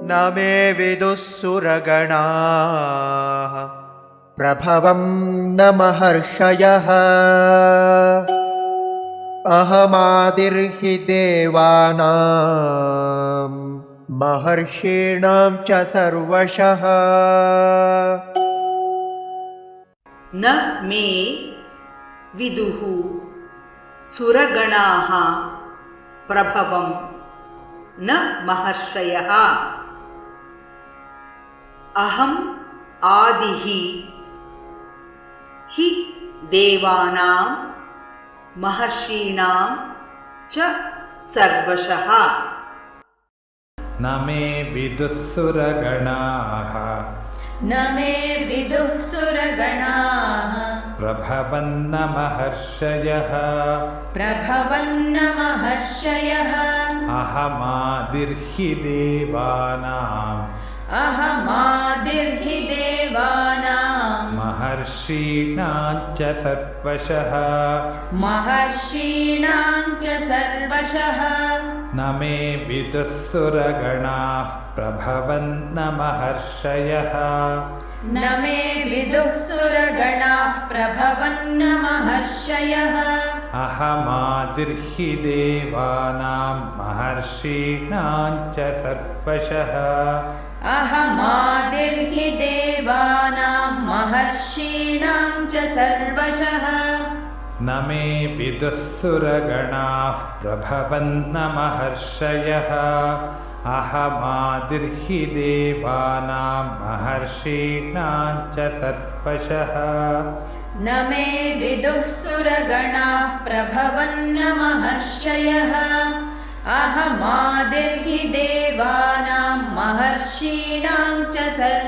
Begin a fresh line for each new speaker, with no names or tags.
न मे विदुः सुरगणाः प्रभवं न महर्षयः अहमादिर्हि देवानां महर्षीणां च सर्वशः।
न मे विदुः सुरगणाः प्रभवं न महर्षयः अहम् आदिः हि देवानां महर्षीणां च सर्वशः।
न मे विदुः सुरगणाः
न मे विदुः सुरगणाः
प्रभवन्न महर्षयः
प्रभवन्न महर्षयः
अहमादिर्हि देवानाम्
अहमादिर्हि देवानां
महर्षीणां च सर्वशः
महर्षीणां च सर्वशः।
न मे विदुः सुरगणाः प्रभवन्न महर्षयः
न मे विदुः सुरगणाः प्रभवन्न महर्षयः
अहमादिर्हि देवानां महर्षीणां च सर्वशः
अहमादिर्हि देवानां महर्षीणां च सर्वशः।
न मे विदुः सुरगणाः प्रभवन्न महर्षयः अहमादिर्हि देवानां महर्षीणां च सर्वशः
न मे विदुः सुरगणाः प्रभवन्न महर्षयः अहमादिर्हि देवानां महर्षीणां च सर्वशः।